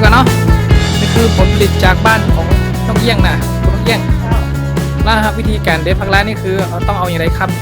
กว่าเนาะนี่คือผลผลิตจากบ้านของน้องเอี้ยงนะคุณน้องเอี้ยงแล้วครับวิธีการเด็ดผักละนี่คือเราต้องเอาอย่างไรครับ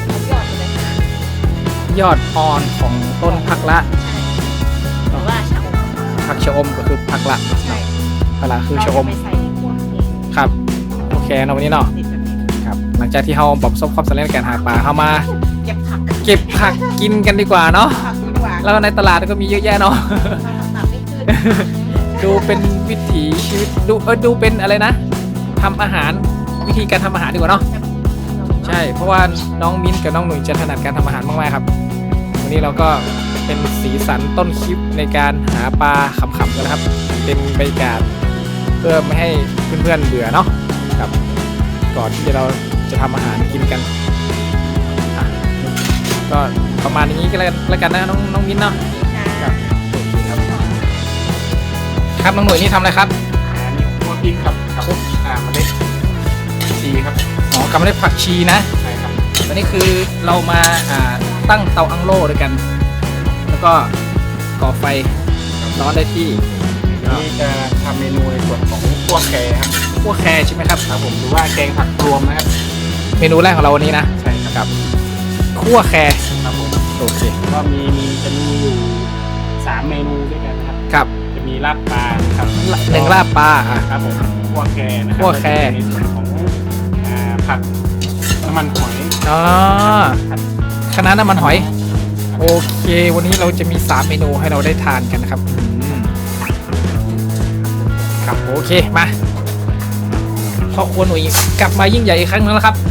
ยอดอ่อนของต้นผักละหรือว่าชะอมผักชะอมก็คือผักละใช่ผักละคือชะอมไปใส่ในพวกนี้ครับโอเคเนาะวันนี้เนาะติดแบบนี้ครับหลังจากที่เราประสบความสำเร็จในการหาปลาเข้ามาเก็บผักเก็บผักกินกันดีกว่าเนาะผักดีกว่าแล้วในตลาดก็มีเยอะแยะเนาะผักไม่ขึ้นดูเป็นวิถีชีวิตดูเป็นอะไรนะทำอาหารวิธีการทำอาหารดีกว่าเนาะใช่เพราะว่าน้องมิ้นกับน้องหนุ่ยจะถนัดการทำอาหารมากๆครับวันนี้เราก็เป็นสีสันต้นคลิปในการหาปลาขำๆกันนะครับเป็นบรรยากาศเพื่อไม่ให้เพื่อนๆเบื่อเนาะครับก่อนที่เราจะทำอาหารกินกันอ่ะก็ประมาณนี้ก็แล้วกันนะน้องมิ้นเนาะครับโอเคครับครับน้องหนุ่ยนี่ทำอะไรครับนี่คั่วพริกครับกับเมล็ดชีครับอ๋อกำเมล็ดผักชีนะใช่ครับตอนนี้คือเรามาตั้งเตาอังโล่ด้วยกัน แล้วก็ก่อไฟร้อนได้ที่นี่จะทำเมนูในส่วนของคั่วแครครับคั่วแครใช่ไหมครับครับผมหรือว่าแกงผักรวมนะครับเมนูแรกของเราวันนี้นะใช่ครับคั่วแครครับผมโอเคก็จะมีอยู่3เมนูด้วยกันนะครับครับจะมีลาบปลาครับหนึ่งลาบปลาครับผมคั่วแครนะครัคั่วแครในส่วนของผักน้ำมันหอยอ๋อครับคณะน้ำมันหอย โอเค วันนี้เราจะมี3เมนูให้เราได้ทานกันนะครับครับโอเคมาพ่อครัวหนุ่ยกลับมายิ่งใหญ่อีกครั้งนึงแล้วครับ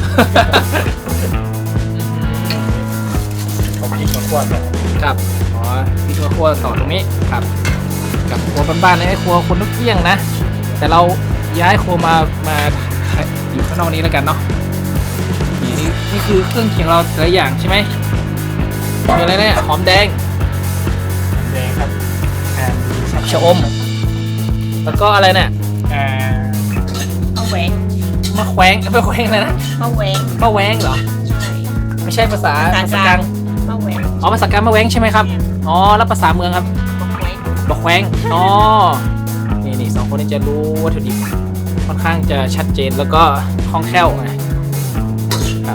เอาพริกมาคั่วกันครับอ๋อพี่ครัวต่อตรงนี้ครับกับครัวบ้านๆเลยไอ้ครัวคนนกเอี้ยงนะ แต่เราย้ายครัวมาอยู่ข้างนอกนี้แล้วกันเนาะนี่คือเครื่องเคียงเราแต่ละอย่างใช่ไหมมีอะไรเนี่ยหอมแดงแดงครับมีชะอม แล้วก็อะไรเนี่ยมะแหวงมะแขวงไม่แขวงอะไรนะมะแหวงมะแหวงเหรอใช่ไม่ใช่ภาษาภาษากลาง มะแหวงอ๋อภาษากลางมะแหวงใช่ไหมครับอ๋อแล้วภาษาเมืองครับมะแหวงมะแขวงอ๋อนี่สองคนนี้จะรู้วัตถุดิบค่อนข้างจะชัดเจนแล้วก็คล่องแคล่วนะครับ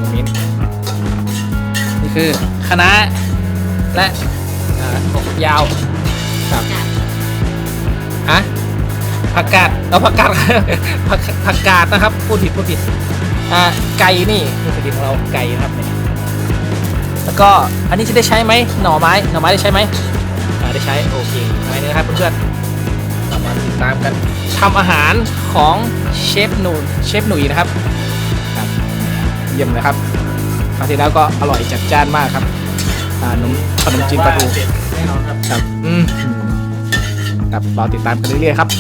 นี่คือคณะและถั่วฝักยาวครับฮะผักกาดเราผักกาด ผักกาดนะครับพูดผิดไก่นี่วัตถุดิบของเราไก่นะครับเนี่ยแล้วก็อันนี้จะได้ใช้ไหมหน่อไม้ได้ใช้ไหมได้ใช้โอเคอะไรนี่นะครับเพื่อนๆเรามาติดตามกันทำอาหารของเชฟหนุ่ยนะครับครับเยี่ยมเลยครับคราวที่แล้วก็อร่อยจัดจ้านมากครับขนมจีนปลาทูเด็ดแน่นอนครับครับครับรอติดตามกันเรื่อยๆครับ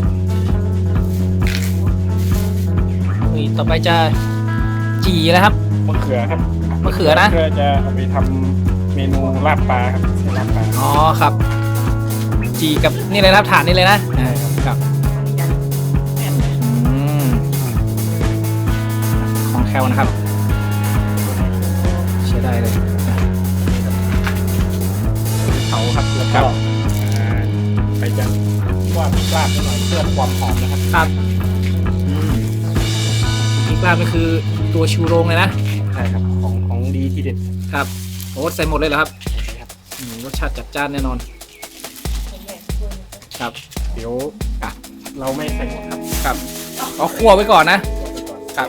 นี่ต่อไปจะจีแล้วครับมะเขือครับมะเขือนะเพื่อจะเอาไปทำเมนูลาบปลาครับใส่ลาบปลาอ๋อครับ จีกับนี่เลยนะครับฐานนี่เลยนะครับอืมของแคลนะครับใช้ได้เลยเผาครับแล้วคก็รับไปจะว่าพริกลาบนิดหน่อยเพื่อความหอมนะครับครับพริกลาบก็คือตัวชูโรงเลยนะใช่ครับของดีที่เด็ดครับโอ้ใส่หมดเลยเหรอครับครับรสชาติจัดจ้านแน่นอนครับเดี๋ยวอ่ะเราไม่ใส่หมดครับครับเอาคั่วไว้ก่อนนะ ครับ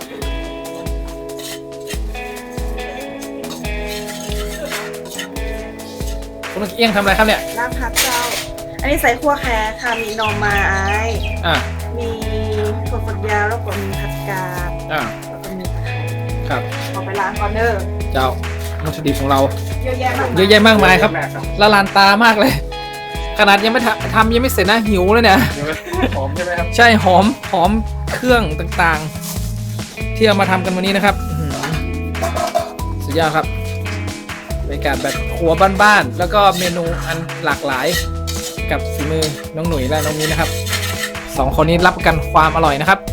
คุณเอี้ยงทำอะไรครับเนี่ยลาบพักเจ้า อันนี้ใส่ขั่วแครค่ะ มีหน่อไม้อ่ามีถั่วฝักยาวแล้วก็มีผักกาดอ่าแล้วก็มีตะไคร้ครับเอาไปล้างก่อนเด้อเจ้าวัตถุดิบของเราเยอะแยะมากเยอะแยะมากมายครับเยอะแยะมากครับละลานตามากเลย ขนาดยังไม่ทำยังไม่เสร็จนะหิวเลยเนี่ยเดี๋ยวหอมใช่ไหมครับใช่หอมเครื่องต่างๆ ที่เอามาทำกันวันนี้นะครับสุดยอดครับบรรยากาศแบบครัวบ้านๆแล้วก็เมนูอันหลากหลายกับฝีมือน้องหนุ่ยและน้องมิ้นนะครับสองคนนี้รับประกันความอร่อยนะครับ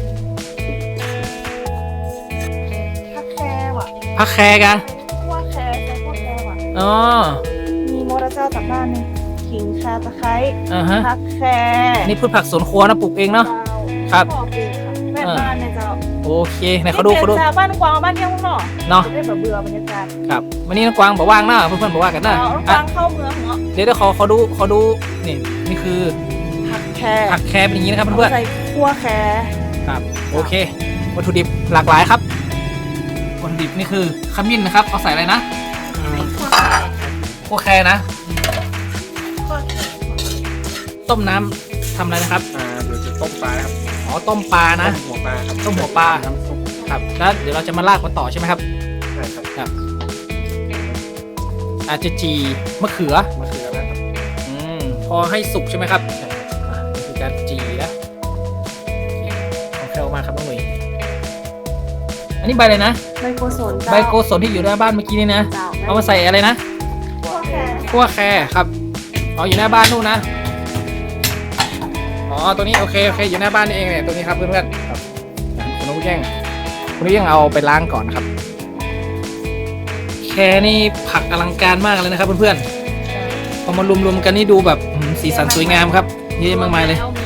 ผักแครว่ะพักแคร์กันขั่วแครใส่ขั่วแครว่ะอ๋อมีโมระเจ้าจากบ้านนี่ขิงข่าตะไคร้ฮะผักแครนี่พืชผักสวนครัวนะปลูกเองเนาะ ครับพ่อปลูกค่ะแม่บ้านเนี่ยเจ้าโอเคไหนเขาดูเขาดูนี่เป็นบ้านกวางบ้านเที่ยงข้างนอกเนาะจะได้แบบเบื่อบรรยากาศครับวันนี้น้องกวางบอกว่างนะเพื่อนๆบอกว่ากันนะเอากอ่ะวางเข้าเมืองเหรอเดี๋ยวเขาดูนี่คือผักแครผักแครเป็นอย่างนี้นะครับเพื่อนใส่คั่วแครๆครับโอเควัตถุดิบหลากหลายครับวัตถุดิบนี่คือขมิ้นนะครับเอาใส่อะไรนะใส่ขั้วแครพวกแครนะขั้วแครต้มน้ำทำอะไรนะครับเดี๋ยวจะต้มปลาครับอ๋อต้มปลานะหัวปลาครับต้มหัวปลาน้ำซุปครับแล้วเดี๋ยวเราจะมาลากมันต่อใช่ไหมครับใช่ครับครับอาจจะจีมะเขือมะเขือนะครับพอให้สุกใช่ไหมครับใช่ครับนี่คือการจีนะโอเคเอาแคลมาครับน้องหนุ่ยอันนี้ใบอะไรนะใบโกศลเจ้าใบโกศลที่อยู่หน้าบ้านเมื่อกี้นี่นะเจ้าเอามาใส่อะไรนะคั่วแครคั่วแครครับอ๋ออยู่หน้าบ้านนู่นนะอ๋อตัวนี้โอเคอยู่หน้าบ้านนี่เองเนี่ยตัวนี้ครับเพื่อนๆครับคุณนุ้ยแย่งเอาไปล้างก่อนนะครับแครนี่ผักอลังการมากเลยนะครับเพื่อนๆพอมารวมๆกันนี่ดูแบบสีสันสวยงามครับเยอะมากมายเลยเอามี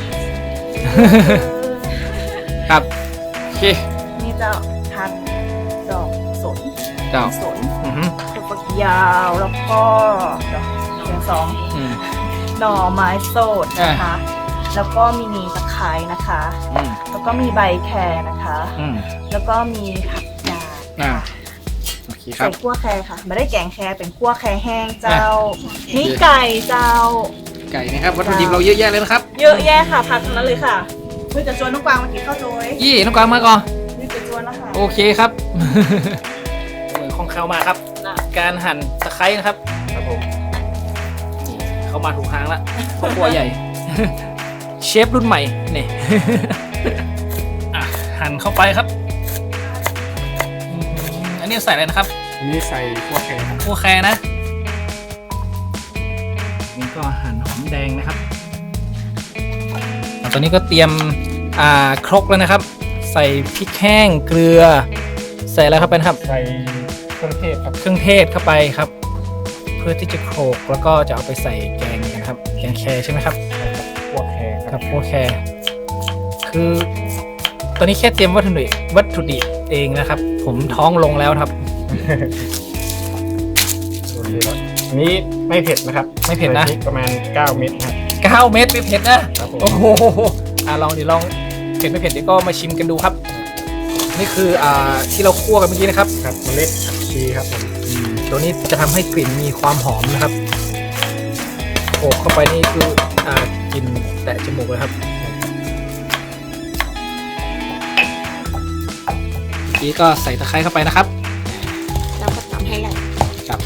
ครับโอเคนี่เจ้าผักดอกสนเจ้าสนอือฮึถั่วฝักยาวแล้วก็ดอกเสียงสองอืมหน่อไม้สดนะคะ แล้วก็มีตะไคร้นะคะอืมแล้วก็มีใบแครนะคะอืมแล้วก็มีผักกาดอ่าค่ะโอเคคใส่รับคั่วแครค่ะไม่ได้แกงแครเป็นคั่วแครแห้งเจ้า นี่ไก่เจ้าไก่นะครับวัตถุดิบเราเยอะแยะเลยนะครับเยอะแยะค่ะผักทั้งนั้นเลยค่ะเพื่อจะชวนน้องกวางมากินข้าวโจ้ยยี่น้องกวางมาก่อนนี่จะชวนนะคะโอเคครับ คล่องแคล่วมากครับ การหั่นตะไคร้นะครับครับผมนี่เข้ามาถูกทางละครอบครัวใหญ่ เชฟรุ่นใหม่นี่ อ่ะหั่นเข้าไปครับอันนี้ใส่อะไรนะครับอันนี้ใส่พวกแครครับคั่วแครนะนี่ก็หั่นหอมแดงนะครับตอนนี้ก็เตรียมครกแล้วนะครับ ใส่พริกแห้งเกลือ ใส่อะไรเข้าไปนะครับใส่เครื่องเทศครับเครื่องเทศเข้าไปครับ เพื่อที่จะโขลกแล้วก็จะเอาไปใส่แกงนะครับแกงแครใช่ไหมครับพวกแครคครัรับบพวกแครคือตอนนี้แค่เตรียมวัตถุดิบเองนะครับ ผมท้องลงแล้วครับโอเคแล้วอันนี้ไม่เผ็ดนะครับไม่เผ็ดนะใส่พริกประมาณ9 เม็ดนะครับ 9 เม็ดไม่เผ็ดนะครับผมโอ้โหลองเผ็ดไม่เผ็ดเดี๋ยวก็มาชิมกันดูครับ นี่คือที่เราคั่วกันเมื่อกี้นะครับครับเมล็ดผักชีครับผมตัวนี้จะทำให้กลิ่นมีความหอมนะครับโขกเข้าไปนี่คือกลิ่นแตะจมูกเลยครับเมื่อกี้ก็ใส่ตะไคร้เข้าไปนะครับเราก็ทำให้ละครับ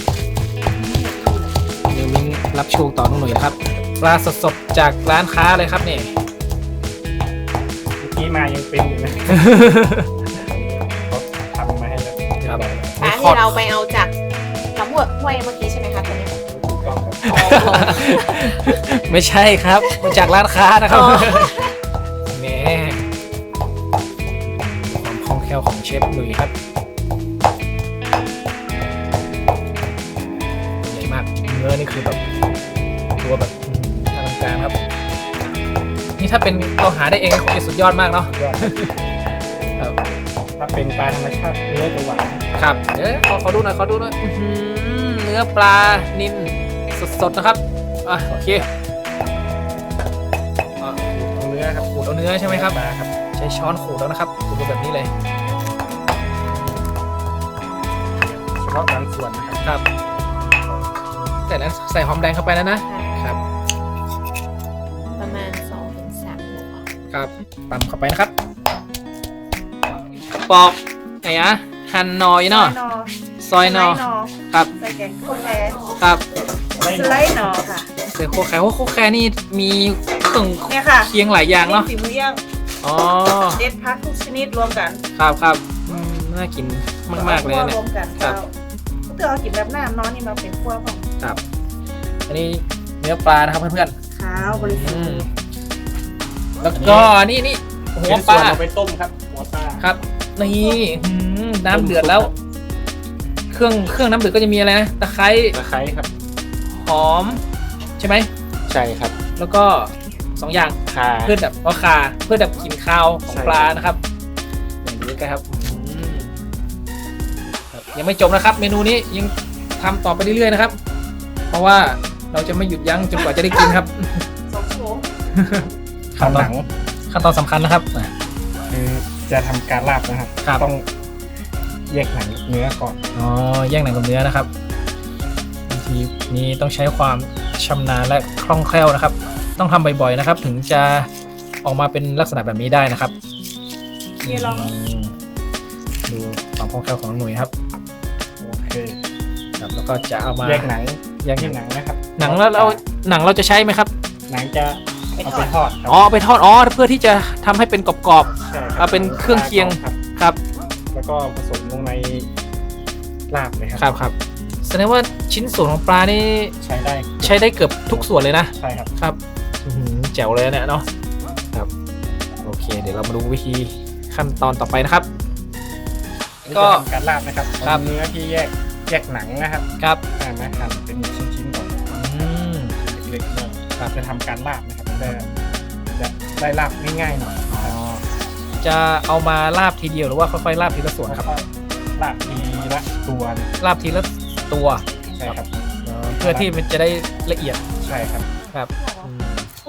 เดี๋ยวมิ้งรับโชว์ต่อน้องหน่อยนะครับปลาสดๆจากร้านค้าเลยครับเนี่ยเมื่อกี้มายังเป็นอยู่นะเขาทำมาให้แล้วครับปลาที่เราไปเอาจากลำห้วยเมื่อกี้ใช่ไหมคะตัวนี้ถูกต้องครับไม่ใช่ครับมาจากร้านค้านะครับแหมความคล่องแคล่วของเชฟหนุ่ยครับใหญ่มากเนื้อนี่คือแบบตัวแบบอลังการครับ นี่ถ้าเป็นเราหาได้เองคงจะสุดยอดมากเนาะยอดครับถ้าเป็นปลาธรรมชาติเนื้อจะหวานครับเดี๋ยวขอดูหน่อยอื้อหือเนื้อปลานิลสดๆนะครับโอเคเอาเนื้อครับขูดเอาเนื้อใช่ไหมครับปลาครับใช้ช้อนขูดแล้วนะครับขูดดูแบบนี้เลยเฉพาะบางส่วนนะครับครับแต่นั้นใส่หอมแดงเข้าไปแล้วนะครับประมาณ2-3หัวครับตำเข้าไปนะครับปอกไหนอะหั่นหนอยเนาะซอยหนอครับใส่แกงคั่วแครครับสไลด์หนอค่ะใส่โคแคร์โคแคร์นี่มีเครื่องเนี่ยค่ะเคียงหลายอย่างเนาะฝีมือย่างอ๋อเด็ดพักทุกชนิดรวมกันครับน่ากินมากๆเลยนะเนี่ยรวมกันครัเจ้าบเพื่อเอากินแบบน้ำน้อยนี่มาเป็นคั่วของครับอันนี้เนื้อปลานะครับเพื่อนข้าวบริๆสุทธิ์แล้วก็นี่หัวเป็นปส่ลาวนเอาไปต้มครับหัวปลาครับนี่น้ำเดือดแล้ว เครื่องน้ำเดือดก็จะมีอะไรนะตะไคร้ตะไคร้ครับหอมใช่ไหมใช่ครับแล้วก็สองอย่างค่ะเพื่อแบบคาเพื่อดับกลิ่นคาวของใช่ปลานะครับอย่างนี้กันครับครับยังไม่จบนะครับ เมนูนี้ยังทำต่อไปเรื่อยๆนะครับ เพราะว่าเราจะไม่หยุดยั้งจนกว่าจะได้กินครับสองชั่วโมงขั้นหนังขั้นตอนสำคัญนะครับคือจะทำการลาบนะครับครับต้องแยกหนังเนื้อก่อนอ๋อแยกหนังกับเนื้อนะครับบางทีนี้ต้องใช้ความชำนาญและคล่องแคล่วนะครับ ต้องทำบ่อยๆนะครับ ถึงจะออกมาเป็นลักษณะแบบนี้ได้นะครับนี่ลองดูความคล่องแคล่วของน้องหนุ่ยครับโอเคครับ แล้วก็จะเอามาแยกหนังแยกหนังนะครับหนังแล้วเราจะใช้ไหมครับหนังจะเอาไปทอดครับอ๋อไปทอดอ๋อเพื่อที่จะทำให้เป็นกรอบใช่ครัเอาเป็นเครื่องเคียงครับๆครับแล้วก็ผสมลงในลาบเลยครับครับแสดงว่าชิ้นส่วนของปลานี่ใช้ได้ใช้ได้เกือบทุกส่วนเลยนะใช่ครับครับอื้อหือแจ๋วเลยเนี่ยเนาะครับโอเค เดี๋ยวเรามาดูวิธีขั้นตอนต่อไปนะครับ ก็ก็ทำการลาบนะครับครับเอาเนื้อที่แยกหนังนะครับครับมาหั่นเป็นชิ้นๆก่อนอืมเล็กๆก่อนเราจะทำการลาบนะครับจะได้ลาบง่ายๆหน่อยอ๋อจะเอามาลาบทีเดียวหรือว่าค่อยๆลาบทีละส่วนครับแล้วก็ลาบทีละตัวลาบทีละตัวใช่ครับเพื่อที่มันจะได้ละเอียดใช่ครับครับอืม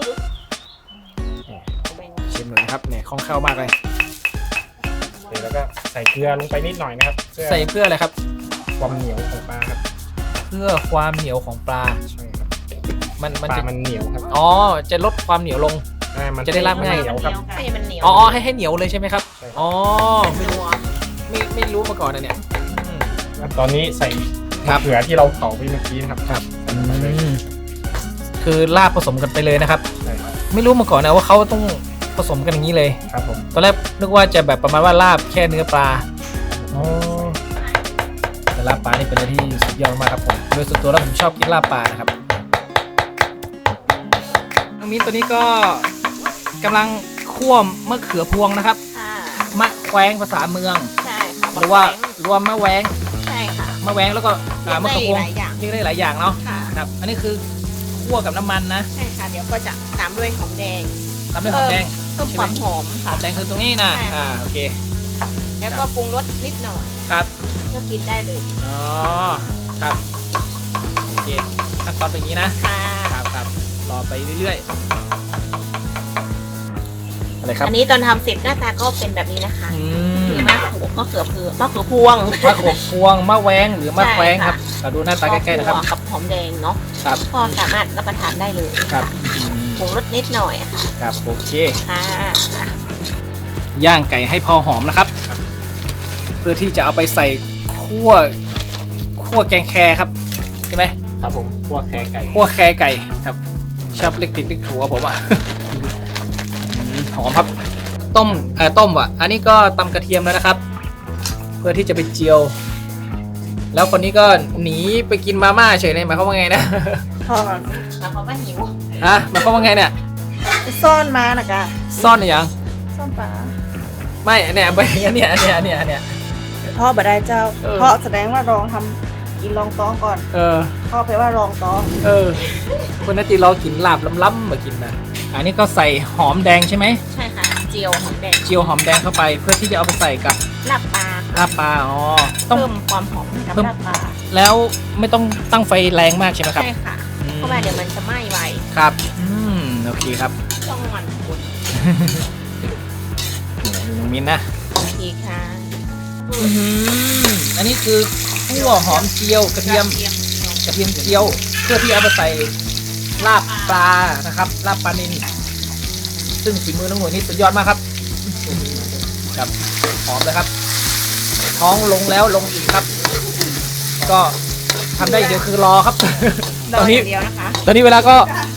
ชิมหน่อยนะครับเนี่ยคล่องแคล่วมากเลยเสร็จแล้วก็ใส่เกลือลงไปนิดหน่อยนะครับเพื่อใส่เพื่ออะไรครับความเหนียวของปลาครับเพื่อความเหนียวของปลาใช่ครับมันปลาจะมันเหนียวครับอ๋อจะลดความเหนียวลงมันจะได้ลาบง่ายเหนียวครับให้มันเหนียวอ๋อให้เหนียวเลยใช่ไหมครับใช่ครับอ๋อไม่รู้ไม่รู้มาก่อนนะเนี่ยอืมแล้วตอนนี้ใส่ครัมะบเขือที่เราเผาไปเมื่อกี้นะครับครับใส่ลงไปเลยคือลาบผสมกันไปเลยนะครับใช่ครับไม่รู้มาก่อนนะว่าเขาต้องผสมกันอย่างนี้เลยครับผมตอนแรกนึกว่าจะแบบประมาณว่าลาบแค่เนื้อปลาอ๋อแต่ลาบปลานี่เป็นอะไรที่สุดยอดมากครับผมโดยส่วนตัวแล้วผมชอบกินลาบปลานะครับน้องมิ้นตัวนี้ก็กำลังคั่วมะเขือพวงนะครับค่ะมะแขวงภาษาเมืองใช่ค่ะหรือว่ารวมมะแหวงใช่ค่ะมะแหวงแล้วก็มะเขือพวงหลายอย่างเรียกได้หลายอย่างเนาะค่ะครับอันนี้คือคั่วกับน้ำมันนะใช่ค่ะ เดี๋ยวก็จะตามด้วยหอมแดงทำด้วยหอมแดงเพิ่มความหอมหค่ะอมแดงคือตรงนี้นะใช่ค่ะโอเคแล้วก็ปรุงรสนิดหน่อยครับก็กินได้เลยอ๋อครับโอเคขั้นตอนเป็นอย่างนี้นะค่ะครับรอไปเรื่อยๆอะไรครับอันนี้ตอนทำเสร็จหน้าตาก็เป็นแบบนี้นะคะอืมคือมะเขือพวงมะขบพวงมะแหวงหรือมะแขวงใช่คค่ะรับเราดูหน้าตาใกล้ๆนะครับกับหอมแดงเนาะครับก็สามารถรับประทานได้เลยครับปรุงรสนิดหน่อยค่ะครับโอเคค่ะย่างไก่ให้พอหอมนะครับ เพื่อที่จะเอาไปใส่คั่วแกงแครครับใช่ไหมครับผมคั่วแครไก่คั่วแครไก่ครับชอบเล็กติดเล็กถูผมอ่ะ หอมครับต้มว่ะอันนี้ก็ตำกระเทียมแล้วนะครับ เพื่อที่จะไปเจียว แล้วคนนี้ก็หนีไปกินมาม่าเฉยเลยหมายความว่าไงนะทอดแล้วเขาก็หิวฮะหมายความว่าไงเนี่ยไปซ่อนมานะกะซ่อนหรือยังซ่อนปลาไม่เนี่ยไปเนี่ยทอดบะได้เจ้าเออทอดแสดงว่าลองทำกินลองต้องก่อนเออทอดไปว่าลองต้องคนนาตีเรากินลาบล้ำๆมากินนะอันนี้ก็ใส่หอมแดงใช่ไหมใช่ค่ะ เจียวหอมแดงเจียวหอมแดงเข้าไปเพื่อที่จะเอาไปใส่กับลาบปลาลาบปลาอ๋อต้องเพิ่มความหอมให้กับเพิ่มลาบปลาแล้วไม่ต้องตั้งไฟแรงมากใช่ไหมครับใช่ค่ะอืมเพราะว่าเดี๋ยวมันจะไหม้ไวครับโอเคครับต้องหมันคุณน้องมิ้นนะโอเคค่ะอันนี้คือคั่วหอมเจียวกระเทียมเจียวเพื่อที่เอาไปใส่ลาบปลานะครับลาบปลานิลซึ่งฝีมือน้องหน่วยนี่สุดยอดมากครับครับหอมเลยครับ ท้องลงแล้วลงอีกครับ ก็ทำได้อย่างเดียวคือรอครับรตออนอนี้ย่างเดียวนะคะตอนนี้เวลาก็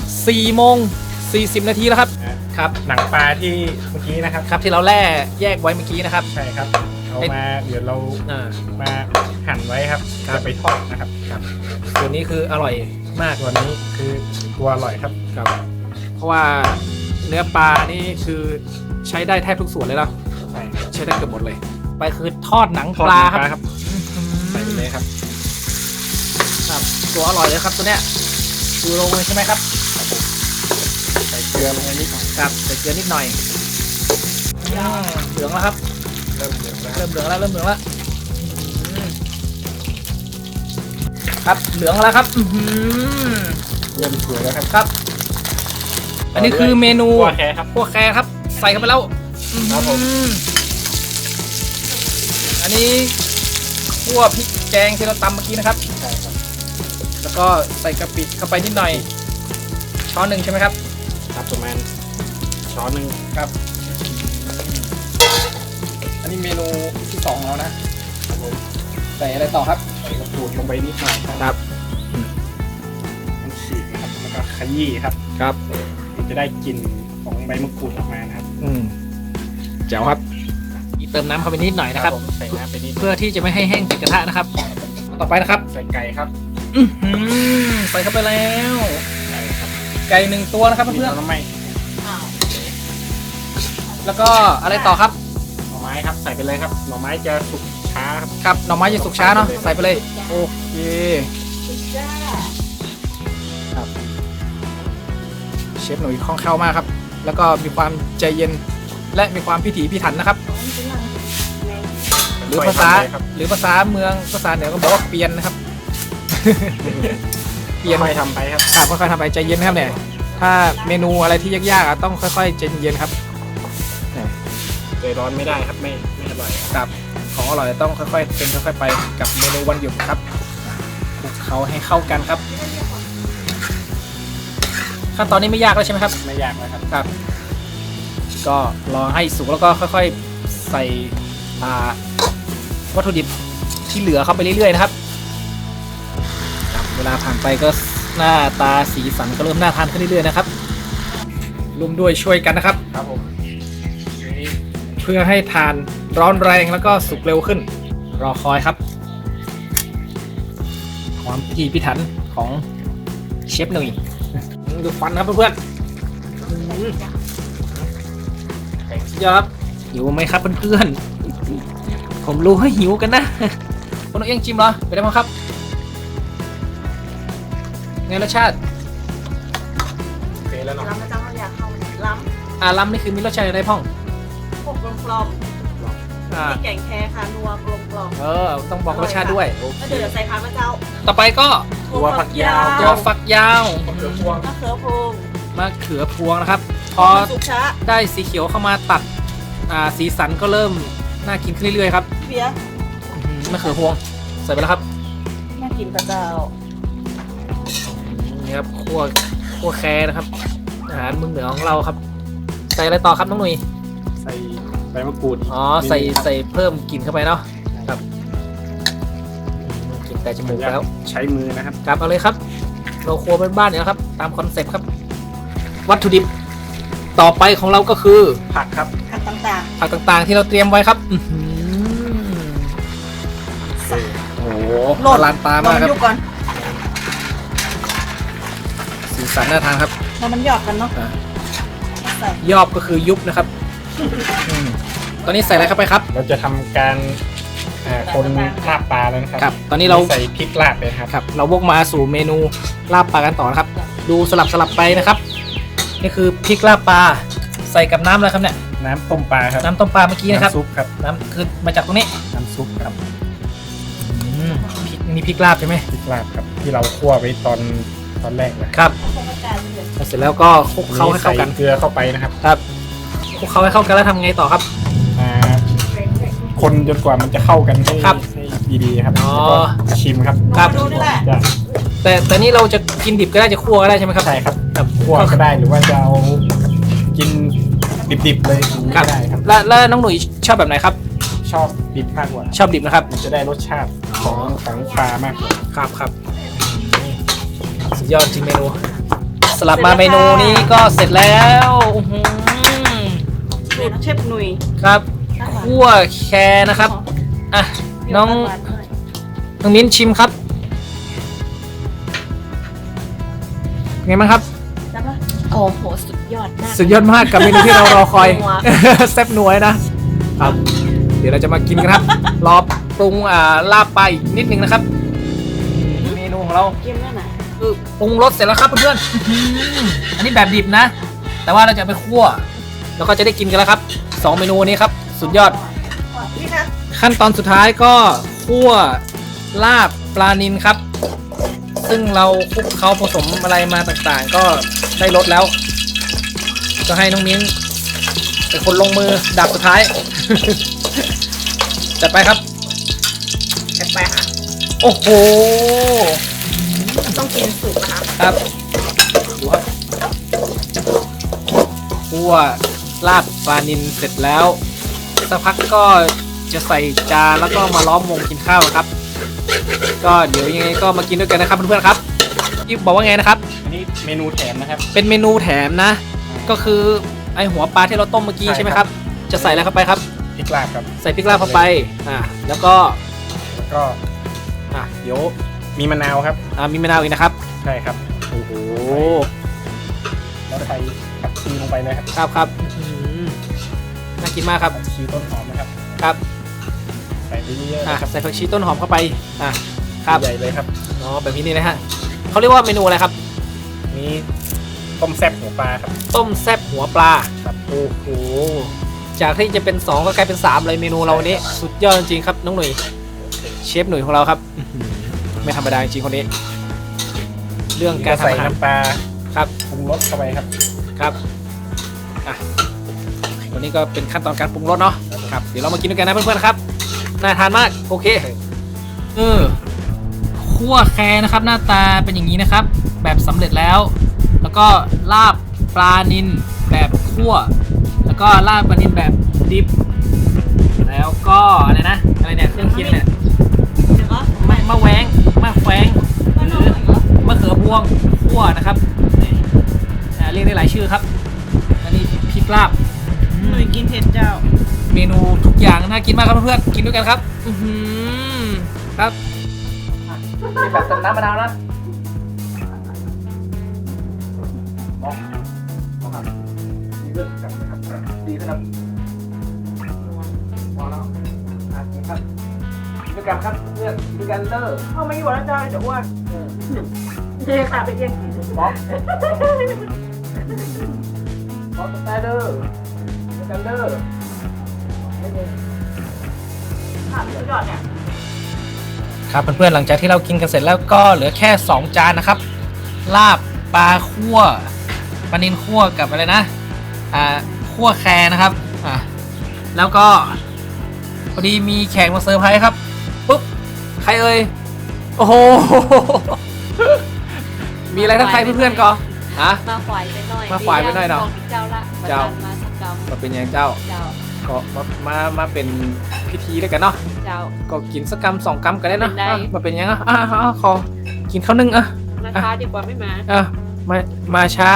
4:40 นาทีแล้วครับครับหนังปลาที่เมื่อกี้นะครับครับที่เราแล่แยกไว้เมื่อกี้นะครับใช่ครับเอามาเดี๋ยวเราอ่ามาหั่นไว้ครับครับจะไปทอดนะครับตัวนี้คืออร่อยมากตัวนี้คือตัวอร่อยครับครับเพราะว่าเนื้อปลานี่คือใช้ได้แทบทุกส่วนเลยเนาะใช่ใช้ได้เกือบหมดเลย ไปคือทอดหนังปลาครับครับใส่ไปเลยครับครับตัวอร่อยเลยครับตัวเนี้ยชูโรงเลยใช่ไหมครับใส่เกลือลงไปนิดหน่อยครับใส่เกลือนิดหน่อยเหลืองแล้วครับเริ่มเหลืองแล้วเริ่มเหลืองแล้วเริ่มเหลืองแล้วครับเหลืองแล้วครับเริ่มสวยแล้วครับครับ อันนี้คือเมนูคั่วแค่ครับพวกแครครับใส่เข้าไปแล้วครับผมอันนี้คั่วพริกแกงที่เราตำเมื่อกี้นะครับใช่ครับแล้วก็ใส่กะปิเข้าไปนิดหน่อย ช้อนหนึ่งใช่ไหมครับครับประมาณช้อนหนึ่งครับ อันนี้เมนูที่2ของเรานะครับผมใส่อะไรต่อครับใส่กระปูดลงไปนิดหน่อยครับครับมันฉีกนะครับแล้วก็ขยี้ครับครับมันจะได้กลิ่นของใบมะกรูดออกมานะครับแจ๋วครับเติมน้ำเข้าไปนิดหน่อยนะครับผมใส่น้ำไปนิดเพื่อที่จะไม่ให้แห้งติดกระทะนะครับ ต่อไปนะครับใส่ไก่ครับใส่เข้าไปแล้วไก่ครับไก่1ตัวนะครับมีเพื่อนน้ำไม่ๆแล้วก็อะไรต่อครับหน่อไม้ครับใส่ไปเลยครับหน่อไม้จะสุกช้าครับครับหน่อไม้จะสุกช้าเนาะใส่ไปเลยโอเคครับเชฟหนุ่ยคล่องแคล่วมากครับ แล้วก็มีความใจเย็นและมีความพิถีพิถันนะครับ หรือภาษาค่อยๆทำไปครับหรือภาษาเมืองภาษาเหนือก็บอกว่าเปลี่ยนนะครับ เปลี่ยนค่อยๆทำไปครับครับค่อยๆทำไปใจเย็นนะครับเนี่ยถ้าเมนูอะไรที่ยากๆต้องค่อยๆใจเย็นครับใจร้อนไม่ได้ครับไม่อร่อยครับครับของอร่อยต้องค่อยๆเป็นค่อยๆไปกับเมนูวันหยุดครับคลุกเขาให้เข้ากันครับขั้นตอนนี้ไม่ยากแล้วใช่ไหมครับไม่ยากนะครับครับ ก็รอให้สุกแล้วก็ค่อยๆใส่วัตถุดิบที่เหลือเข้าไปเรื่อยๆนะครับครับเวลาผ่านไปก็หน้าตาสีสันก็เริ่มน่าทานขึ้นเรื่อยๆนะครับร่วมด้วยช่วยกันนะครับครับผมทีนี้เพื่อให้ทานร้อนแรงแล้วก็สุกเร็วขึ้น รอคอยครับ ความพิถีพิถันของเชฟหนุ่ยดูฟันครับเพื่อนๆสุดยอดครับหิวไหมครับเพื่อนๆผมรู้ให้หิวกันนะคนเอาเองจิ้มเหรอไปได้มั้งครับไงรสชาติโอเคแล้วเนาะล้ำนะเจ้าอยากเข้าล้ล้ำนี่คือมีรสชาติอะไรพ่องำพวกกลมๆอ่ามีแกงแครค่ะนัวกลมต้องบอกรสชาติด้วยๆแล้วเดี๋ยวใส่ผักนะเจ้าต่อไปก็ถั่วฝักยาวตัวฝักยาวมะเขือพวงมะเขือพวงมะเขือพวงนะครับ พอสุกช้าได้สีเขียวเข้ามาตัดสีสันก็เริ่มน่ากินขึ้นเรื่อยๆครับเบียร์มะเขือพวงใส่ไปแล้วครับน่ากินกับเจ้านี่ครับคั่วแครนะครับอาหารเมืองเหนือของเราครับ ใส่อะไรต่อครับน้องหนุ่ยใส่ใบมะกรูดอ๋อใส่เพิ่มกลิ่นเข้าไปเนาะครับกลิ่นแต่จมูกแล้วใช้มือนะครับครับเอาเลยครับ เราครัวบ้านๆเนี่ยนะครับ ตามคอนเซ็ปต์ครับ วัตถุดิบต่อไปของเราก็คือผักครับผักต่างผักต่างๆที่เราเตรียมไว้ครับโอ้โหๆอลังตามากครับยุบก่อนสีสันน่าทานครับแล้วมันหยอกกันเนาะอ่าใส่ยอบก็คือยุบนะครับตอนนี้ใส่อะไรเข้าไปครับเราจะทำการคนลาบปลาแล้วนะครับครับ ตอนนี้เราใส่พริกลาบเลยนะครับครับ เราวกมาสู่เมนูลาบปลากันต่อนะครับ ดูสลับไปนะครับ นี่คือพริกลาบปลาใส่กับน้ำอะไรครับเนี่ยน้ำต้มปลาครับน้ำต้มปลาเมื่อกี้นะครับน้ำซุปครับน้ำคือมาจากตรงนี้น้ำซุปครับพริกนี่พริกลาบใช่ไหมพริกลาบครับที่เราคั่วไว้ตอนแรกนะครับเสร็จแล้วก็คลุกเคล้าให้เข้ากันใส่เกลือเข้าไปนะครับครับคลุกเคล้าให้เข้ากันแล้วทำไงต่อครับอ่าคนจนกว่ามันจะเข้ากันให้ครับให้ดีๆครับอ๋อแล้วก็ชิมครับครับดูนี่แหละจะแต่นี่เราจะกินดิบก็ได้จะคั่วก็ได้ใช่ไหมครับใช่ครับครับคั่วก็ได้หรือว่าจะเอากินดิบๆเลยอย่างนี้ครับก็ได้ครับแล้วน้องหนุ่ยชอบแบบไหนครับชอบดิบมากกว่าชอบดิบนะครับมันจะได้รสชาติของปลามากกว่าครับสุดยอดจริงเมนูสลับมาเมนูนี้ก็เสร็จแล้วอื้อหือสูตรเชฟหนุ่ยครับคั่วแครนะครับอ่ะน้องมิ้นชิมครับไงบ้างครับโอ้โห สุดยอดมากสุดยอดมากกับเมนูที่เรารอคอยนัวแซ่บนัวนะครับ เดี๋ยวเราจะมากินกันครับ รอปรุงลาบปลาอีกนิดนึงนะครับ เมนูของเราเกมนั่นน่ะคือปรุงรสเสร็จแล้วครับเพื่อนๆอื้อหืออันนี้แบบดิบนะ แต่ว่าเราจะเอาไปคั่ว แล้วก็จะได้กินกันแล้วครับ2เมนูนี้ครับสุดยอดนี่นะขั้นตอนสุดท้ายก็คั่วลาบปลานิลครับ ซึ่งเราคลุกเขาผสมอะไรมาต่างๆ ก็ได้รสแล้ว ก็ให้น้องมิ้นเป็นคนลงมือดับสุดท้าย จัดไปครับจัดไปค่ะโอ้โหต้องกินสุกนะคะครับดูครับคั่วลาบปลานิลเสร็จแล้วสักพักก็จะใส่จานแล้วก็มาล้อมวงกินข้าวครับ ก็เดี๋ยวยังไงก็มากินด้วยกันนะครับเพื่อนๆครับที่บอกว่าไงนะครับอันนี้เมนูแถมนะครับเป็นเมนูแถมนะ ก็คือไอหัวปลาที่เราต้มเมื่อกี้ใช่ใช่ไหมคครัรับ บ จะใส่อะไรเข้าไปครับพริกลาบครับใส่พริกลาบเข้าไปแล้วก็แล้วก็เดี๋ยวมีมะนาวครับมีมะนาวอีกนะครับใช่ครับโอ้โหแล้วใส่ผักชีลงไปเลยครับครับอื้อหือน่ากินมากครับผักชีต้นหอมนะครับครับใส่ไปเยอะๆนะครับใส่ผักชีต้นหอมเข้าไปครับใหญ่เลยครับอ๋อแบบนี้นะฮะเขาเรียกว่าเมนูอะไรครับนี่ต้มแซ่บหัวปลาครับต้มแซ่บหัวปลาครับโอ้โหจากที่จะเป็น2ก็กลายเป็น3เลยเมนูเราวันนี้สุดยอดจริงๆครับน้องหนุ่ยเชฟหนุ่ยของเราครับอื้อหือไม่ธรรมดาจริงๆคนนี้ เรื่องการใส่ทำอาหารน้ำปลาครับปรุงรสเข้าไปครับครับวันนี้ก็เป็นขั้นตอนการปรุงรสเนาะครับเดี๋ยวเรามากินด้วยกันนะเพื่อนๆครับน่าทานมากโอเคคั่วแครนะครับหน้าตาเป็นอย่างนี้นะครับ แบบสำเร็จแล้ว แล้วก็ลาบปลานิลแบบคั่ว แล้วก็ลาบปลานิลแบบดิบ แล้วก็อะไรนะอะไรเนี่ยเครื่องเคียงเนี่ยเดี๋ยวก็มะแหวงมะแขวงหรือมะเขือพวงคั่วนะครับนี่เรียกได้หลายชื่อครับอันนี้พริกลาบหนุ่ยกินเผ็ดเจ้าเมนูทุกอย่างน่ากินมากครับเพื่อนๆกินด้วยกันครับครับเป็นแบบเติมน้ำมะนาวนะดีขึ้นครับดีขึ้นครับพอแล้วกินครับกินด้วยกันครับเพื่อนกินด้วยกันเด้อเอาไม่อยู่แล้วเจ้าจะอ้วนเจ๊ค่ะไปเยี่ยงกินบ๊อบสไตล์เด้อกินด้วยกันเด้อค่ะพี่ยอดเนี่ยครับเพื่อนๆหลังจากที่เรากินกันเสร็จแล้วก็เหลือแค่2จานนะครับลาบปลาคั่วปลานิลคั่วกับอะไรนะคั่วแครนะครับแล้วก็พอดีมีแขกมาเซอร์ไพรส์ครับปุ๊บใครเอ่ยโอ้โห มีอะไรทักทายเพื่อนๆก่อนมาฝ่ายไปหน่อยมาฝ่ายไปหน่อยเนาะเจ้าละเจ้ามาสักเจ้ามาเป็นยังเจ้าเจ้าก็มาเป็นพิธีด้วยกันเนาะเจ้าก็กินสักกำ2กำกันได้เนาะเป็นได้มาเป็นยังขอกินข้าวนึ่งมาช้าดีกว่าไม่มามาช้า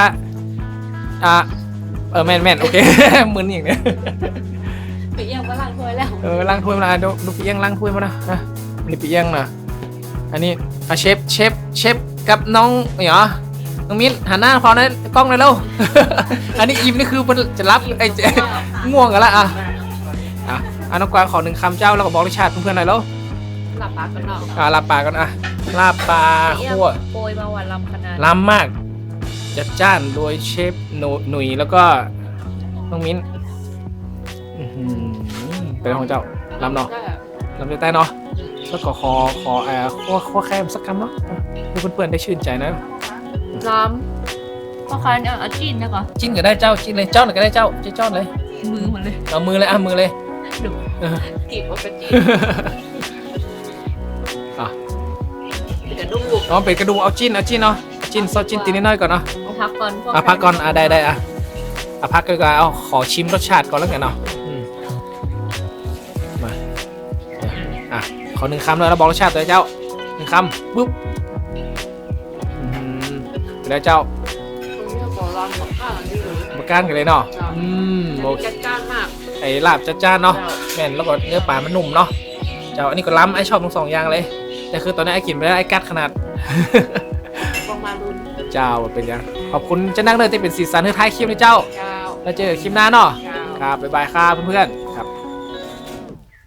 แม่นโอเค มึนอย่างเนี้ยปีเอียงก็ล้างถ้วยแล้วล้างถ้วยมาดูปีเอียงล้างถ้วยมานะนี่ปีเอียงนะอันนี้เชฟกับน้องเหรอน้องมิ้นหันหน้าพอนะกล้องเลยแล้ว อันนี้อิ่มนี่คือมันจะรับไอ้ง่วงกันละน้องกวางขอ1คำเจ้าแล้วก็บอกรสชาติเพื่อนๆหน่อยแล้วหลับปากกันเนาะลาบปลากันลาบปลาคั่วโปรยมาวันลำขนาดล้ำมากจัดจ้านโดยเชฟหนุ่ยแล้วก็น้องมิ้นเป็นของเจ้าล้ำเนาะล้ำจะใต้เนาะแล้วก็ขอคั่วแคมสักคำเนาะให้เพื่อนๆได้ชื่นใจนะล้ำเพราะคันเอาจิ้นนะก่อนจิ้นก็ได้เจ้าจิ้นเลยเจ้าหน่อยก็ได้เจ้าเลยมือมันเลยเอามือเลยมือเลยดูกีบว่าเป็นจิ้นกระดูกเป็นกระดูกเอาจิ้นเนาะจิ้นซอสจิ้นตีนิดหน่อยก่อนเนาะเอาพักก่อนพักก่อนได้พักก็เอาขอชิมรสชาติก่อนแล้วกันเนาะมาขอ1คำเลยแล้วบอกรสชาติตัวเจ้า1คำปุ๊บไปแล้วเจ้าบอกร้อนบอกข้าวนี่เลยมาก้านกันเลยเนาะโอเคจัดจ้านมากไอ้ลาบจัดจ้านเนาะแม่นแล้วก็เนื้อปลามันนุ่มเนาะเจ้าอันนี้ก็ล้ำไอ้ชอบทั้ง2อย่างเลยแต่คือตอนนี้ไอ้กินไปแล้วไอ้กัดขนาดลงมาลุ้นเจ้าเป็นยังขอบคุณเจ้านักเดินที่เป็นสีสันให้ท้ายคลิปนะเจ้าเจ้าแล้วเจอคลิปหน้าเนาะเจ้าครับบ๊ายบายครับเพื่อนๆ